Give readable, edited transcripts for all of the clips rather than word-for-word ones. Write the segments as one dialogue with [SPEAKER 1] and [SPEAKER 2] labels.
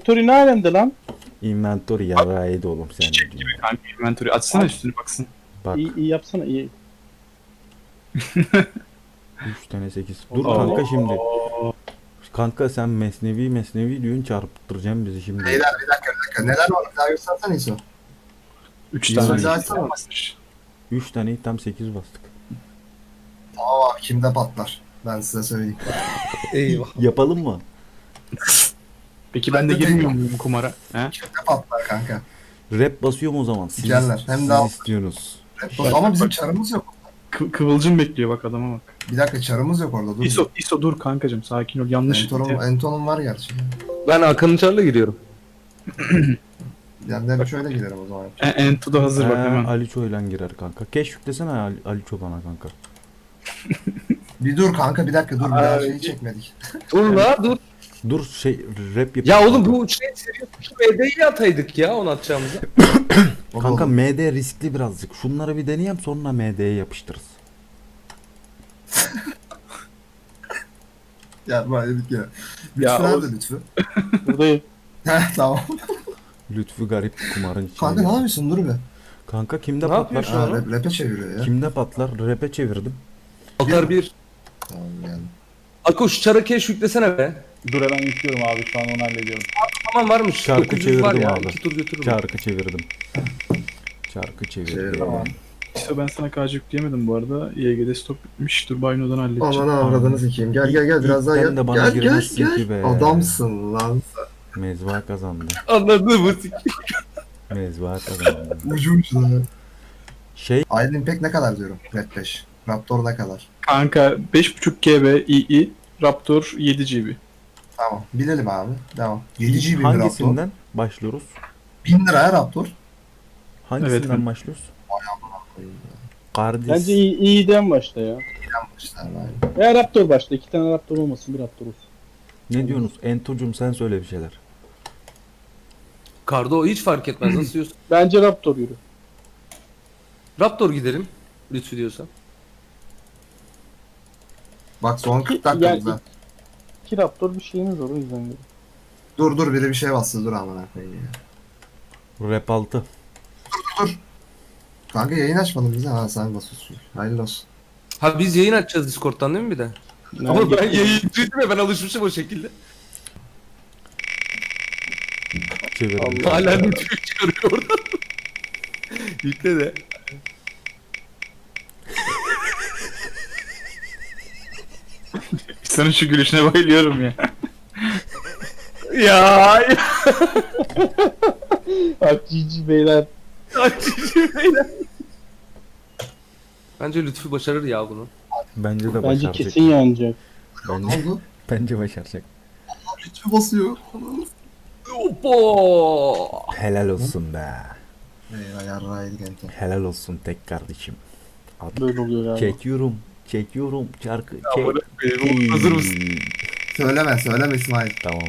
[SPEAKER 1] Inventory ne alemde lan?
[SPEAKER 2] Inventory yarrağıydı oğlum sen de
[SPEAKER 3] Çiçek gibi
[SPEAKER 2] diyorsun.
[SPEAKER 3] kanka inventory. Açsana üstüne baksın.
[SPEAKER 2] Bak
[SPEAKER 1] İyi yapsana iyi.
[SPEAKER 2] 3 tane 8. Dur kanka şimdi. Kanka sen mesnevi diyorsun çarpıttıracaksın bizi şimdi.
[SPEAKER 4] Beyler bir dakika. Neler var? Bir daha göstersene İso.
[SPEAKER 3] 3
[SPEAKER 2] İyi,
[SPEAKER 3] tane.
[SPEAKER 4] güzel açsana.
[SPEAKER 2] 3 tane tam 8 bastık.
[SPEAKER 4] Tamam abi kimde patlar? Ben size söyleyeyim.
[SPEAKER 5] Eyvah.
[SPEAKER 2] Yapalım mı?
[SPEAKER 3] Peki ben de girmiyor muyum kumara? He?
[SPEAKER 4] Kimde patlar kanka?
[SPEAKER 2] Rap basıyorum o zaman. Siz,
[SPEAKER 4] Geller, hem
[SPEAKER 2] siz
[SPEAKER 4] de al.
[SPEAKER 2] istiyorsunuz.
[SPEAKER 4] Ama bizim çarımız yok.
[SPEAKER 3] Kıvılcım bekliyor bak adama bak.
[SPEAKER 4] Bir dakika çarımız yok orada. Dur.
[SPEAKER 3] ISO dur kankacım sakin ol. Yanlış.
[SPEAKER 4] Enton'um var gerçi.
[SPEAKER 5] Ben Hakan'ın çarla giriyorum.
[SPEAKER 4] Yani ben şöyle giderim o zaman.
[SPEAKER 3] Ento da hazır bak hemen.
[SPEAKER 2] Ali Çoylan girer kanka. Keş yüklesene Ali Ço bana kanka.
[SPEAKER 4] Bir dur kanka bir dakika dur. Bir daha şeyi çekmedik.
[SPEAKER 5] Dur la dur.
[SPEAKER 2] Dur rap yap.
[SPEAKER 5] Ya oğlum bu şey şu MD'yi ataydık ya onu atacağımıza.
[SPEAKER 2] Kanka
[SPEAKER 4] Oğlum.
[SPEAKER 2] MD riskli birazcık. Şunları bir deneyeyim sonra MD'ye yapıştırırız.
[SPEAKER 4] Ya böyle bir kere.
[SPEAKER 3] Ya
[SPEAKER 4] Lütfü nerede
[SPEAKER 3] o-
[SPEAKER 4] Lütfü?
[SPEAKER 1] Buradayım.
[SPEAKER 4] Heh tamam.
[SPEAKER 2] Lütfü garip kumarın içine.
[SPEAKER 4] Kanka ne
[SPEAKER 2] girdi.
[SPEAKER 4] yapıyorsun dur be.
[SPEAKER 2] Kanka kimde
[SPEAKER 5] Ne
[SPEAKER 2] patlar?
[SPEAKER 5] yapıyor şu an?
[SPEAKER 4] Rap'e çeviriyor ya.
[SPEAKER 2] Kimde patlar? Rap'e çevirdim.
[SPEAKER 5] Altar 1.
[SPEAKER 4] Tamam yani.
[SPEAKER 5] Ako şu çarı keş yüklesene be.
[SPEAKER 1] Dur hemen yüklüyorum abi şu an onu hallediyorum.
[SPEAKER 5] Tamam varmış.
[SPEAKER 2] Şarkı
[SPEAKER 5] 900 var
[SPEAKER 2] çevirdim
[SPEAKER 5] ya.
[SPEAKER 2] abi.
[SPEAKER 5] 2 tur götürürüm.
[SPEAKER 2] Çarkı çevirdim. Çarkı çevirdim.
[SPEAKER 4] Çevirdim ama.
[SPEAKER 3] ISO ben sana KC yükleyemedim bu arada. YG'de stok bitmiş. Dur Bayno'dan halledeceğim.
[SPEAKER 4] Aman avradını sikeyim. Gel biraz daha
[SPEAKER 2] İlkten
[SPEAKER 4] gel.
[SPEAKER 2] de bana
[SPEAKER 4] Gel
[SPEAKER 2] girmezsin ki be.
[SPEAKER 4] Adamsın lan.
[SPEAKER 2] Mezva kazandı.
[SPEAKER 5] Anladın mı?
[SPEAKER 2] Mezva kazandı.
[SPEAKER 4] Ucu ucuna.
[SPEAKER 2] Şey
[SPEAKER 4] Iron Impact ne kadar diyorum? Red 5. Raptor ne kadar?
[SPEAKER 3] Kanka 5.5 GB II Raptor 7 GB.
[SPEAKER 4] Tamam. Bilelim abi. Devam. 7 GB bir Raptor.
[SPEAKER 2] hangisinden başlıyoruz?
[SPEAKER 4] 1000 liraya Raptor.
[SPEAKER 2] Hangisinden
[SPEAKER 3] Evet.
[SPEAKER 2] başlıyoruz? Kardeş.
[SPEAKER 1] Bence iyiden başla ya.
[SPEAKER 4] Yanmışlar abi.
[SPEAKER 1] Ya Raptor başla. 2 tane Raptor olmasın bir Raptor olsun.
[SPEAKER 2] Ne diyorsunuz? Ento'cum sen söyle bir şeyler.
[SPEAKER 5] Kardo hiç fark etmez nasıl diyorsun.
[SPEAKER 1] Bence Raptor yürü.
[SPEAKER 5] Raptor gidelim. Lütfü diyorsan.
[SPEAKER 4] Bak son 40
[SPEAKER 1] Yani-
[SPEAKER 4] dakikamızda.
[SPEAKER 1] 2 Raptor bir şeyimiz var o yüzden yürü.
[SPEAKER 4] Dur biri bir şey bastı dur amına koyayım ya.
[SPEAKER 2] Rap 6.
[SPEAKER 4] Kanka yayın açmadın bize. Ha sen basıyorsun. Hayırlı olsun.
[SPEAKER 5] Ha biz yayın açacağız Discord'dan değil mi bir de? Ama ben yayıncıydım ya ben alışmışım o şekilde.
[SPEAKER 2] Çevirdim.
[SPEAKER 5] Hala Lütfü çıkarıyor oradan. Yükle de.
[SPEAKER 3] Senin şu gülüşüne bayılıyorum ya.
[SPEAKER 5] Ya.
[SPEAKER 1] Bak cici beyler.
[SPEAKER 5] Bence Lütfü başarır ya bunu.
[SPEAKER 2] Bence de
[SPEAKER 1] Bence
[SPEAKER 2] başaracak.
[SPEAKER 1] kesin yanacak.
[SPEAKER 4] Ne
[SPEAKER 2] Bence,
[SPEAKER 4] oldu?
[SPEAKER 2] bence başaracak.
[SPEAKER 4] Lütfü basıyor.
[SPEAKER 5] Opo.
[SPEAKER 2] Helal olsun be.
[SPEAKER 4] Eyvah yarrağıydık ento.
[SPEAKER 2] Helal olsun tek kardeşim.
[SPEAKER 1] Böyle oluyor galiba.
[SPEAKER 2] Çekiyorum. Çekiyorum. Çarkı. Çek.
[SPEAKER 5] Hazır mısın?
[SPEAKER 4] Söyleme İsmail.
[SPEAKER 2] Tamam.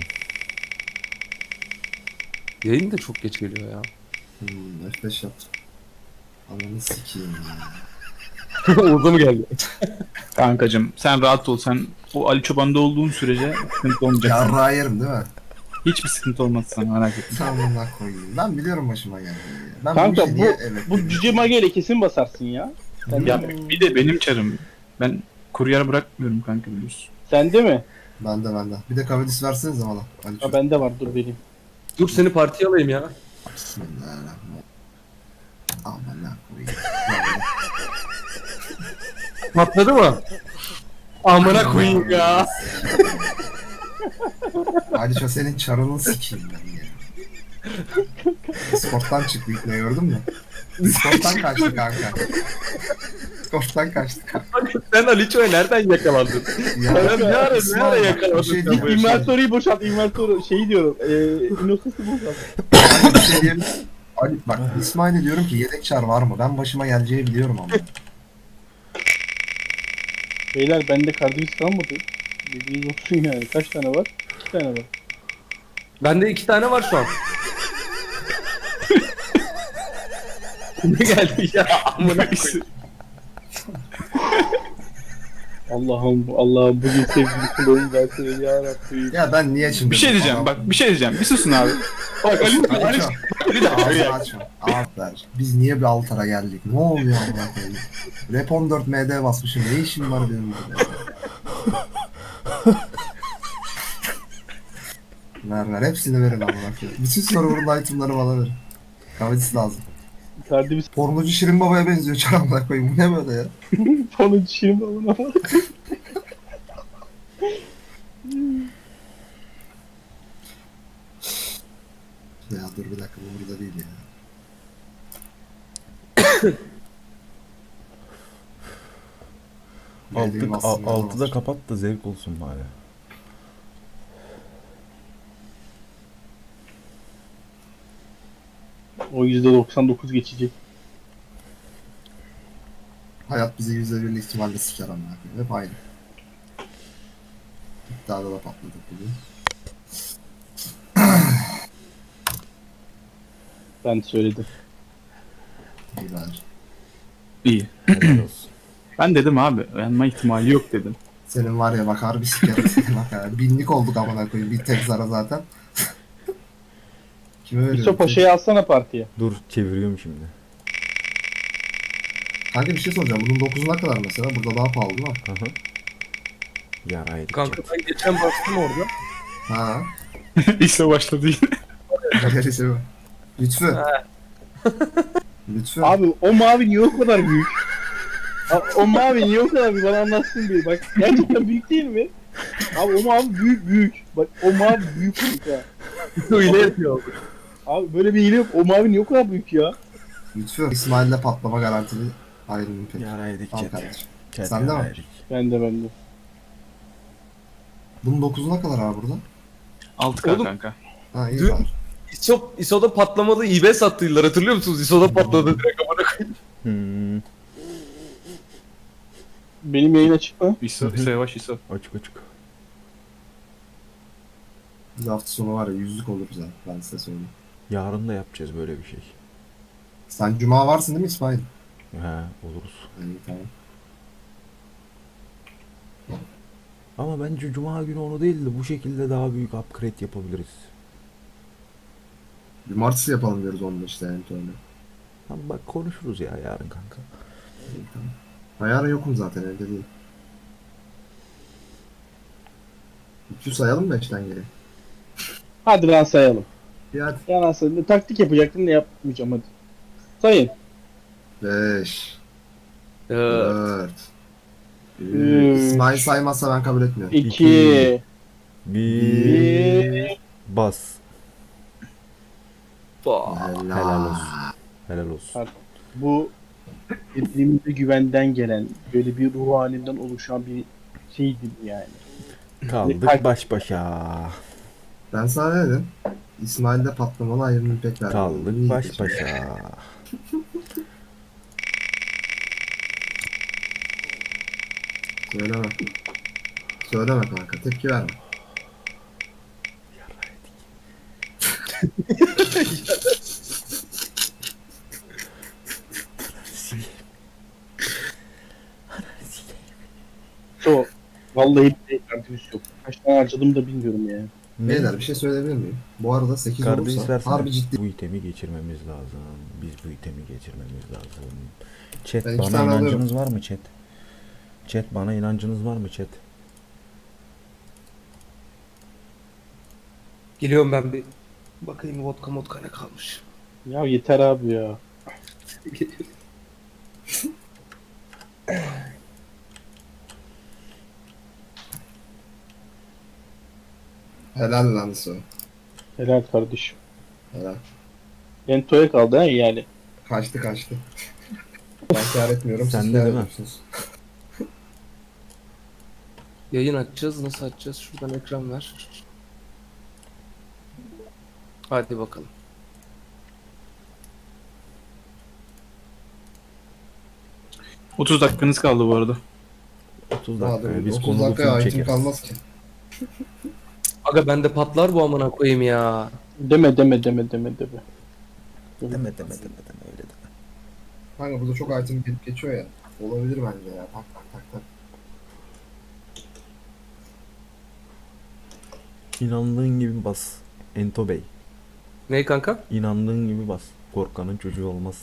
[SPEAKER 5] Yayın da çok geç geliyor ya.
[SPEAKER 4] F5 yaptım. Ananı sikeyim ya.
[SPEAKER 5] Orada mı geldi?
[SPEAKER 3] Kankacım sen rahat ol. Sen o Ali Çoban'da olduğun sürece sıkıntı olmayacak. sana.
[SPEAKER 4] Yarrağı yerim değil mi?
[SPEAKER 3] Hiçbir sıkıntı olmaz sana merak etme.
[SPEAKER 4] Tamamına koyayım. Ben biliyorum başıma geldiğini. Ben
[SPEAKER 1] Kanka
[SPEAKER 4] işe niye evet
[SPEAKER 1] bu
[SPEAKER 4] dedim?
[SPEAKER 1] cüce mageyle kesin basarsın ya. Sen
[SPEAKER 3] Ya
[SPEAKER 1] de,
[SPEAKER 3] bir de benim çarım. Ben kuryer bırakmıyorum kanka biliyorsun.
[SPEAKER 1] sende mi?
[SPEAKER 4] Bende. Bir de kavedis versenize bana. Ali
[SPEAKER 1] Ha bende var dur vereyim.
[SPEAKER 5] Dur seni partiye alayım ya.
[SPEAKER 4] Bismillahirrahmanirrahim. Amına koyayım.
[SPEAKER 5] Patladı mı? Amına koyayım ya.
[SPEAKER 4] Ali şu senin çarını sikeyim ben ya. Discord'dan çıktı ne gördün mü? Discord'dan kaçtı kanka. Discord'dan kaçtı kanka.
[SPEAKER 5] Sen Aliço'ya nereden yakalandın?
[SPEAKER 4] Ya,
[SPEAKER 5] Ben ne ara
[SPEAKER 4] İsmail,
[SPEAKER 5] yakaladın
[SPEAKER 4] bir şey
[SPEAKER 5] sen
[SPEAKER 4] diyeyim,
[SPEAKER 5] bu işi?
[SPEAKER 1] Inventory'yi boşalt. Inventory şeyi diyorum. Innocus'u boşalt.
[SPEAKER 4] Ali bir şey diyeyim. Ali bak İsmail'e diyorum ki yedek çar var mı? Ben başıma geleceği biliyorum ama.
[SPEAKER 1] Beyler bende kardiyos kalmadı. Dediğiniz olsun yani. Kaç tane var? 2 tane var.
[SPEAKER 5] Bende 2 tane var şu an. Ne geldi ya? Amına koyayım.
[SPEAKER 1] Allah'ım bugün sevgili kulağım versin ya Rabbi.
[SPEAKER 4] Ya ben niye şimdi...
[SPEAKER 3] Bir şey diyeceğim bak, bir şey diyeceğim. Bir susun abi. Bak Ali, Ali,
[SPEAKER 4] Ali
[SPEAKER 3] bir dakika.
[SPEAKER 4] Ağzını
[SPEAKER 3] ya.
[SPEAKER 4] açma. Ağızlar. Biz niye bir Altar'a geldik? Ne oluyor amına koyayım? Rap 14 MD basmışım. Ne işim var benim burada? Ver hepsini verin amına koyayım. Bütün server'ın itemları bana verin. Kahvesi lazım.
[SPEAKER 1] Kardimiz
[SPEAKER 4] Pornocu Şirin Baba'ya benziyor çar amına koyayım. Bu ne böyle ya?
[SPEAKER 1] falan şirin balına bak.
[SPEAKER 4] Ya dur bir dakika bu burada değil ya. Geldiğim aslında
[SPEAKER 2] Altı da
[SPEAKER 4] var.
[SPEAKER 2] kapat da zevk olsun bari.
[SPEAKER 1] O %99 geçecek.
[SPEAKER 4] Hayat bizi %1'lik ihtimalle siker amına koyayım. Hep aynı. İddiada da patladık bugün.
[SPEAKER 1] Ben söyledim.
[SPEAKER 4] İyi bence.
[SPEAKER 3] İyi.
[SPEAKER 2] Helal olsun.
[SPEAKER 3] Ben dedim abi, yanma ihtimali yok dedim.
[SPEAKER 4] Senin var ya bak harbi sikerim seni bak ya. Binlik olduk amına koyayım. Bir tek zara zaten. Kime veriyorum?
[SPEAKER 1] İso Paşa'yı alsana partiye.
[SPEAKER 2] Dur çeviriyorum şimdi.
[SPEAKER 4] Kanka bir şey soracağım. Bunun 9'una kadar mesela. Burada daha pahalı değil mi?
[SPEAKER 2] Aha. Yaraydık.
[SPEAKER 5] Kanka ben geçen baktım orada.
[SPEAKER 4] Ha.
[SPEAKER 3] İşte başladı yine.
[SPEAKER 4] Öyle şey mi? Lütfü. Lütfü.
[SPEAKER 1] Abi o mavi niye o kadar büyük? O mavi niye o kadar büyük? Bana anlatsın bir. Bak gerçekten büyük değil mi? Abi o mavi büyük. Bak o mavi büyük ha.
[SPEAKER 5] Öyle yapıyor.
[SPEAKER 1] Abi böyle bir hile yok. O mavi niye o kadar büyük ya?
[SPEAKER 4] Lütfü. İsmail'le patlama garantili ayrılın pek.
[SPEAKER 2] Yaraydık
[SPEAKER 4] Al
[SPEAKER 2] chat.
[SPEAKER 4] kardeşim.
[SPEAKER 2] Chat
[SPEAKER 4] Sen de mi?
[SPEAKER 2] yaraydık.
[SPEAKER 1] Ben de.
[SPEAKER 4] Bunun 9'una kadar abi burada.
[SPEAKER 3] 6K
[SPEAKER 5] Oğlum.
[SPEAKER 3] kanka.
[SPEAKER 4] Ha iyi
[SPEAKER 5] Dün-
[SPEAKER 4] var.
[SPEAKER 5] ISO'da patlamalı eBay sattılar hatırlıyor musunuz? ISO'da patladı direkt amına koyayım.
[SPEAKER 2] Hmm.
[SPEAKER 1] Benim yayın açık mı?
[SPEAKER 3] İso yavaş İso.
[SPEAKER 2] Açık açık.
[SPEAKER 4] Biz hafta sonu var ya 100'lük olur bize. Ben size söyleyeyim.
[SPEAKER 2] Yarın da yapacağız böyle bir şey.
[SPEAKER 4] Sen cuma varsın değil mi İsmail?
[SPEAKER 2] He oluruz.
[SPEAKER 4] İyi tamam.
[SPEAKER 2] Ama bence cuma günü onu değil de bu şekilde daha büyük upgrade yapabiliriz.
[SPEAKER 4] Cumartesi yapalım diyoruz onda işte yani öyle.
[SPEAKER 2] Tamam bak konuşuruz ya yarın kanka.
[SPEAKER 4] İyi tamam. Ben yarın yokum zaten evde değil. 200 sayalım mı 5'ten geri?
[SPEAKER 1] Hadi lan sayalım.
[SPEAKER 4] Bir hadi.
[SPEAKER 1] Ya nasıl? Taktik yapacaktım da yapmayacağım hadi. Sayın.
[SPEAKER 4] 5
[SPEAKER 5] Evet.
[SPEAKER 4] 4
[SPEAKER 1] Üç.
[SPEAKER 4] İsmail saymazsa ben kabul etmiyorum.
[SPEAKER 1] 2
[SPEAKER 2] Bir
[SPEAKER 1] 1
[SPEAKER 2] bas. Helal olsun. Helal olsun.
[SPEAKER 1] Bu birbirimize güvenden gelen böyle bir ruh halinden oluşan bir şeydi yani.
[SPEAKER 2] Kaldık baş başa.
[SPEAKER 4] Ben sana ne dedim? İsmail'de patlamalı ayrımını pek verdim.
[SPEAKER 2] Kaldık
[SPEAKER 4] İyi
[SPEAKER 2] baş
[SPEAKER 4] geçti.
[SPEAKER 2] başa.
[SPEAKER 4] Söyleme. Söyleme kanka. Tepki verme.
[SPEAKER 1] So, vallahi bir kartımız yok. Kaç tane harcadım da bilmiyorum ya.
[SPEAKER 4] Beyler bir şey söyleyebilir miyim? Bu arada 8
[SPEAKER 2] Kardeş
[SPEAKER 4] olursa
[SPEAKER 2] versene.
[SPEAKER 4] harbi ciddi.
[SPEAKER 2] Bu itemi geçirmemiz lazım. Biz bu itemi geçirmemiz lazım. Chat
[SPEAKER 4] Ben iki
[SPEAKER 2] bana
[SPEAKER 4] tane
[SPEAKER 2] inancınız var mı chat? Chat bana inancınız var mı chat?
[SPEAKER 5] Geliyorum ben bir. Bakayım vodka ne kalmış.
[SPEAKER 1] Ya yeter abi ya.
[SPEAKER 4] Helal lan su.
[SPEAKER 1] Helal kardeşim.
[SPEAKER 4] Helal.
[SPEAKER 1] Ento'ya kaldı ha yani.
[SPEAKER 4] Kaçtı. Ben kâr etmiyorum.
[SPEAKER 2] Sen
[SPEAKER 4] siz
[SPEAKER 2] de
[SPEAKER 4] kâr
[SPEAKER 2] değil mi?
[SPEAKER 4] ediyorsunuz.
[SPEAKER 5] Yayın açacağız. Nasıl açacağız? Şuradan ekran ver. Hadi bakalım.
[SPEAKER 3] ...30 dakikanız kaldı bu arada.
[SPEAKER 2] 30
[SPEAKER 4] Daha
[SPEAKER 2] dakika.
[SPEAKER 4] da
[SPEAKER 2] Biz
[SPEAKER 4] 30
[SPEAKER 2] konulu
[SPEAKER 4] dakikaya
[SPEAKER 2] film
[SPEAKER 4] item
[SPEAKER 2] çekeriz.
[SPEAKER 4] kalmaz ki.
[SPEAKER 5] Aga bende patlar bu amına koyayım ya.
[SPEAKER 1] Deme.
[SPEAKER 2] Deme öyle deme.
[SPEAKER 4] Kanka burada çok item gelip geçiyor ya. Olabilir bence ya. Tak.
[SPEAKER 2] İnandığın gibi bas. Ento Bey.
[SPEAKER 5] Ne kanka?
[SPEAKER 2] İnandığın gibi bas. Korkanın çocuğu olmaz.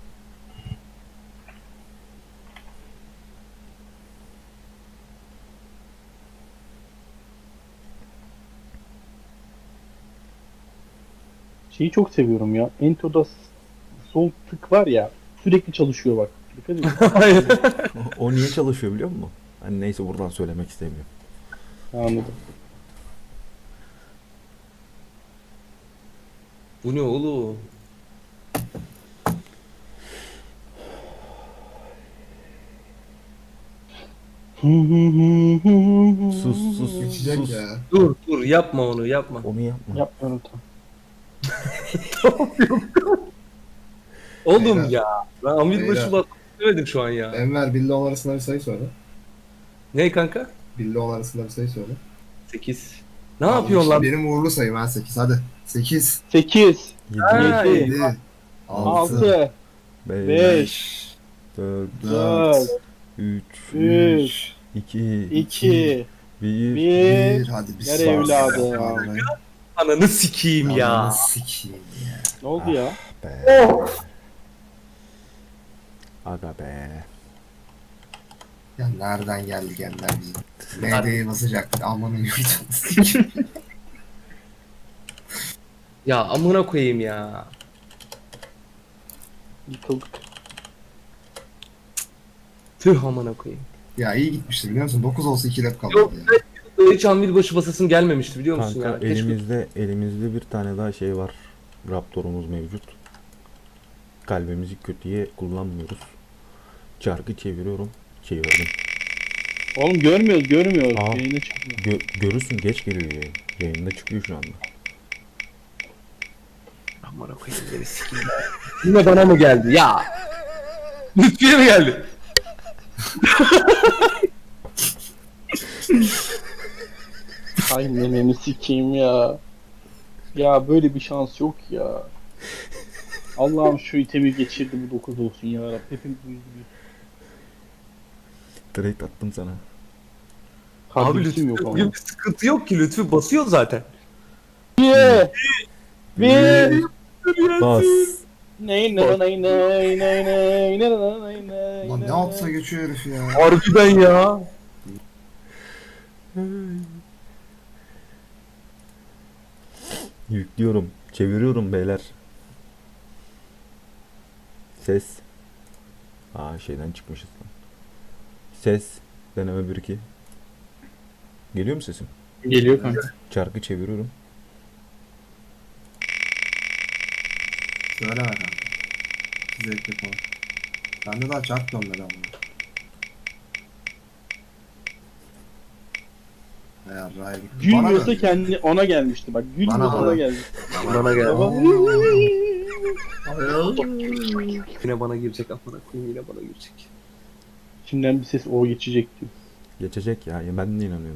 [SPEAKER 1] Şeyi çok seviyorum ya. Ento'da sol tık var ya. Sürekli çalışıyor bak. Dikkat edin.
[SPEAKER 5] Hayır.
[SPEAKER 2] O niye çalışıyor biliyor musun? Hani neyse buradan söylemek istemiyorum.
[SPEAKER 1] Anladım.
[SPEAKER 5] Bu ne oğlum?
[SPEAKER 2] Sus sus
[SPEAKER 4] Geçecek
[SPEAKER 2] sus.
[SPEAKER 4] ya.
[SPEAKER 5] Dur yapma onu yapma.
[SPEAKER 2] Onu yapma.
[SPEAKER 1] Yapmıyorum tam.
[SPEAKER 5] Oğlum
[SPEAKER 4] Beyler.
[SPEAKER 5] ya. Ben Amir
[SPEAKER 4] Beyler.
[SPEAKER 5] başı bak demedim şu an ya.
[SPEAKER 4] Enver Billy 10 arasında bir sayı söyle.
[SPEAKER 5] Ne kanka?
[SPEAKER 4] Billy 10 arasında bir sayı söyle.
[SPEAKER 5] 8. Ne yapıyorsun lan?
[SPEAKER 4] Benim uğurlu sayım ha 8 hadi. 8,
[SPEAKER 1] 8,
[SPEAKER 5] Ha,
[SPEAKER 1] 7,
[SPEAKER 4] 7, 6,
[SPEAKER 1] 6,
[SPEAKER 2] 5,
[SPEAKER 1] 5,
[SPEAKER 2] 4,
[SPEAKER 1] 4,
[SPEAKER 2] 3,
[SPEAKER 1] 3,
[SPEAKER 2] 2,
[SPEAKER 1] 2,
[SPEAKER 2] 1.
[SPEAKER 1] 1.
[SPEAKER 4] 1 hadi bir
[SPEAKER 1] Gel evladım.
[SPEAKER 5] Ananı sikeyim ya.
[SPEAKER 4] Sikiyim ya.
[SPEAKER 1] Ne oldu ya?
[SPEAKER 2] Be. Aga be.
[SPEAKER 4] Ya nereden geldik Enver bizim? MD'yi basacaktık amanın yurtunu.
[SPEAKER 5] Ya amına koyayım ya.
[SPEAKER 1] Yıkıldık.
[SPEAKER 5] Tüh amına koyayım.
[SPEAKER 4] Ya iyi gitmişti biliyor musun? 9 olsa 2 lap kaldı
[SPEAKER 5] Yok
[SPEAKER 4] ya.
[SPEAKER 5] hiç Amir başı basasın gelmemişti biliyor musun
[SPEAKER 2] Kanka
[SPEAKER 5] ya? Keşke-
[SPEAKER 2] elimizde bir tane daha şey var. Raptorumuz mevcut. Kalbimizi kötüye kullanmıyoruz. Çarkı çeviriyorum. Çevirdim.
[SPEAKER 1] Oğlum görmüyoruz.
[SPEAKER 2] Aa.
[SPEAKER 1] Yayına çıkmıyor.
[SPEAKER 2] Görürsün geç geliyor yayın. Yayında çıkıyor şu anda.
[SPEAKER 5] Amına koyayım beni sikeyim. Yine bana mı geldi ya? Lütfiye mi geldi?
[SPEAKER 1] Ay mememi sikeyim ya. Ya böyle bir şans yok ya. Allah'ım şu itemi geçirdi bu 9 olsun ya Rabbim. Hepimiz üzülüyoruz.
[SPEAKER 2] Trade attım sana.
[SPEAKER 5] Abi
[SPEAKER 1] Kardeşim
[SPEAKER 5] Lütfi
[SPEAKER 1] yok ama.
[SPEAKER 5] bugün bir sıkıntı yok ki Lütfi basıyor zaten.
[SPEAKER 1] Bir.
[SPEAKER 2] Bas.
[SPEAKER 1] Ney ney ney ney ney ney ney ney
[SPEAKER 4] Lan ne atsa geçiyor herif ya.
[SPEAKER 5] Harbiden ya.
[SPEAKER 2] Yüklüyorum. Çeviriyorum beyler. Ses. Şeyden çıkmışız lan. Ses. Deneme 1-2. Geliyor mu sesim?
[SPEAKER 3] Geliyor kanka.
[SPEAKER 2] Çarkı çeviriyorum.
[SPEAKER 4] Söyle bakalım. Zevk yapalım. Bende daha çarp dönmedi ama. Eğer Ray gitti.
[SPEAKER 1] Gülmüyorsa
[SPEAKER 4] döndü.
[SPEAKER 1] kendi ona gelmişti bak. Gülmüyorsa
[SPEAKER 4] Bana.
[SPEAKER 1] ona gelmişti.
[SPEAKER 5] Bana geldi.
[SPEAKER 1] Baba.
[SPEAKER 5] Yine bana girecek amına koyayım yine bana girecek.
[SPEAKER 1] İçimden bir ses o geçecek diyor.
[SPEAKER 2] Geçecek ya. Ben de inanıyorum.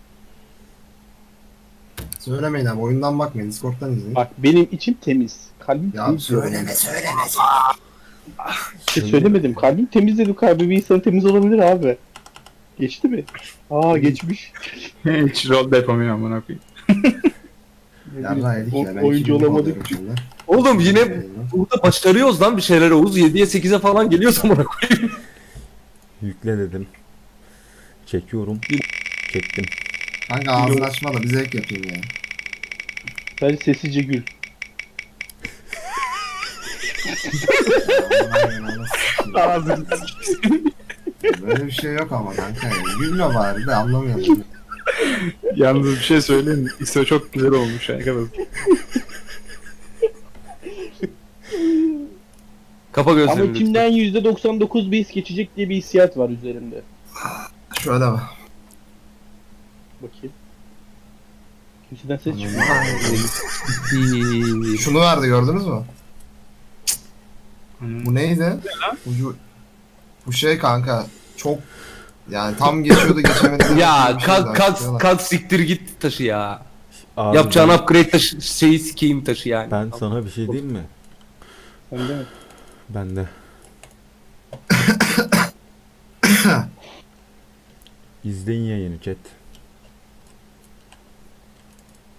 [SPEAKER 4] Söylemeyin abi oyundan bakmayın Discord'dan izleyin.
[SPEAKER 1] Bak benim içim temiz. Kalbim
[SPEAKER 4] Ya
[SPEAKER 1] temiz.
[SPEAKER 4] söyleme.
[SPEAKER 1] İşte söylemedim. Kalbim temiz dedim. Kalbi bir insan temiz olabilir abi. Geçti mi? Aa geçmiş.
[SPEAKER 3] Hiç rol de yapamıyor amına koyayım.
[SPEAKER 4] Ya Ray yedik ya. Ben
[SPEAKER 1] Oyuncu
[SPEAKER 4] 2000
[SPEAKER 1] olamadık.
[SPEAKER 4] alıyorum şimdi.
[SPEAKER 5] Oğlum yine
[SPEAKER 4] Yayını.
[SPEAKER 5] burada başarıyoruz lan bir şeyler Oğuz. 7'ye 8'e falan geliyoruz amına koyayım.
[SPEAKER 2] Yükle dedim. Çekiyorum. Çektim.
[SPEAKER 4] Kanka ağzını açma da bir zevk yapayım ya.
[SPEAKER 1] Sadece sessizce gül.
[SPEAKER 3] Ağzını
[SPEAKER 4] Böyle bir şey yok ama kanka ya. Gülme bari de anlamıyorum.
[SPEAKER 3] Yalnız bir şey söyleyeyim mi? İso çok güzel olmuş arkadaşlar.
[SPEAKER 5] Kapa
[SPEAKER 1] Ama
[SPEAKER 5] gözlerini lütfen.
[SPEAKER 1] içimden %99 bir his geçecek diye bir hissiyat var üzerimde.
[SPEAKER 4] Şöyle bak.
[SPEAKER 1] Bakayım. Kimseden ses çıkmıyor.
[SPEAKER 4] Şunu verdi gördünüz mü? Bu neydi? Bu şey kanka çok yani tam geçiyordu geçemedi.
[SPEAKER 5] Ya
[SPEAKER 4] Bir şey daha
[SPEAKER 5] kalk
[SPEAKER 4] istiyorlar.
[SPEAKER 5] kalk siktir git taşı ya.
[SPEAKER 2] Abi
[SPEAKER 5] Yapacağın
[SPEAKER 2] ben,
[SPEAKER 5] upgrade taşı şeyi sikeyim taşı yani.
[SPEAKER 2] ben sana bir şey diyeyim mi?
[SPEAKER 1] Sen de mi?
[SPEAKER 2] Ben de. İzleyin yayını chat.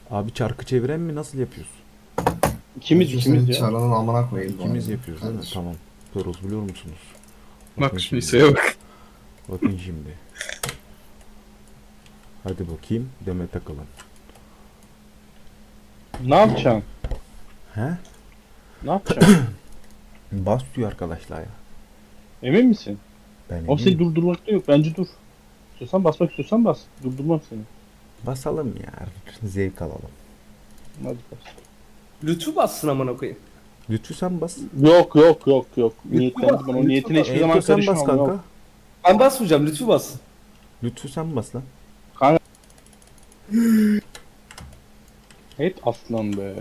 [SPEAKER 2] Abi çarkı çeviren mi? Nasıl yapıyoruz?
[SPEAKER 1] İkimiz
[SPEAKER 4] Senin
[SPEAKER 1] ikimiz ya.
[SPEAKER 4] Çarının amına koyayım. bu
[SPEAKER 2] İkimiz
[SPEAKER 4] arada.
[SPEAKER 2] yapıyoruz değil mi?
[SPEAKER 4] Kardeşim.
[SPEAKER 2] Tamam. Sorusu biliyor musunuz?
[SPEAKER 3] Bak
[SPEAKER 2] Bakın
[SPEAKER 3] şimdi
[SPEAKER 2] şimdi.
[SPEAKER 3] şeye bak.
[SPEAKER 2] Bakın şimdi. Hadi bakayım. Demet Akalın.
[SPEAKER 1] Ne yapacaksın?
[SPEAKER 2] He?
[SPEAKER 1] Ne yapacaksın?
[SPEAKER 2] Bas diyor arkadaşlar ya.
[SPEAKER 1] Emin misin?
[SPEAKER 2] Ben
[SPEAKER 1] O seni
[SPEAKER 2] eminim.
[SPEAKER 1] durdurmakta yok. Bence dur. İstiyorsan basmak istiyorsan bas. Durdurmam seni.
[SPEAKER 2] Basalım ya. Zevk alalım.
[SPEAKER 1] Hadi bas.
[SPEAKER 5] Lütfü bassın amına koyayım.
[SPEAKER 2] Lütfü sen bas.
[SPEAKER 1] Yok. Niyetlendim ben. O
[SPEAKER 5] Lütfü
[SPEAKER 1] niyetine
[SPEAKER 5] bas.
[SPEAKER 1] hiçbir zaman
[SPEAKER 2] Ento sen bas
[SPEAKER 1] karışmam.
[SPEAKER 2] kanka.
[SPEAKER 1] Yok.
[SPEAKER 5] Ben basmayacağım, Lütfü bassın.
[SPEAKER 2] Lütfü sen bas lan.
[SPEAKER 1] Evet aslan be.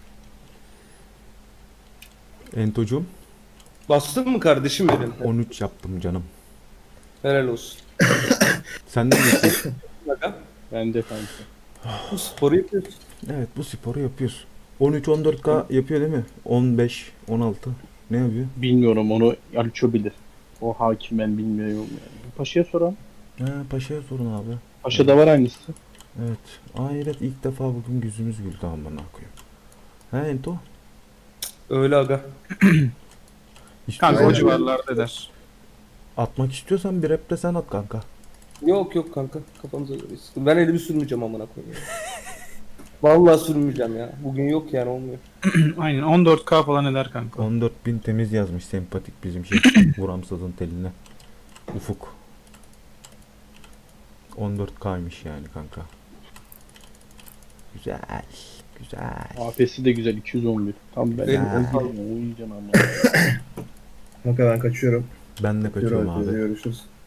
[SPEAKER 2] Ento'cum
[SPEAKER 5] Bastın mı kardeşim benim?
[SPEAKER 2] 13 yaptım canım.
[SPEAKER 5] Helal olsun.
[SPEAKER 2] Sen de mi yapıyorsun?
[SPEAKER 5] Aga,
[SPEAKER 1] Bence kanka.
[SPEAKER 5] bu sporu yapıyorsun.
[SPEAKER 2] Evet bu sporu yapıyoruz. 13-14K yapıyor değil mi? 15, 16. Ne yapıyor?
[SPEAKER 1] Bilmiyorum onu Aliço bilir. O hakim ben bilmiyorum yani. Paşa'ya soran.
[SPEAKER 2] Ha, Paşa'ya sorun abi.
[SPEAKER 1] Paşa'da var aynısı.
[SPEAKER 2] Evet. Hayret ilk defa bugün yüzümüz güldü amına koyayım. Ha Ento?
[SPEAKER 5] Öyle aga.
[SPEAKER 3] Kanka o
[SPEAKER 4] Aynen.
[SPEAKER 3] civarlarda eder.
[SPEAKER 2] Atmak istiyorsan bir rap de sen at kanka.
[SPEAKER 5] Yok kanka, kafamıza göre sıkın. Ben elimi sürmeyeceğim amına koyayım. Vallahi sürmeyeceğim ya. Bugün yok yani, olmuyor.
[SPEAKER 3] Aynen 14K falan eder kanka.
[SPEAKER 2] 14.000 temiz yazmış sempatik bizim şey. Vuramsızın teline. Ufuk. 14K'ymış yani kanka. Güzel. Güzel.
[SPEAKER 1] AP'si de güzel 211. Tam ben.
[SPEAKER 5] Benim-
[SPEAKER 1] Uyuyacaksın ama.
[SPEAKER 4] Kanka ben kaçıyorum.
[SPEAKER 2] Ben de kaçıyorum abi.
[SPEAKER 4] Görüşürüz.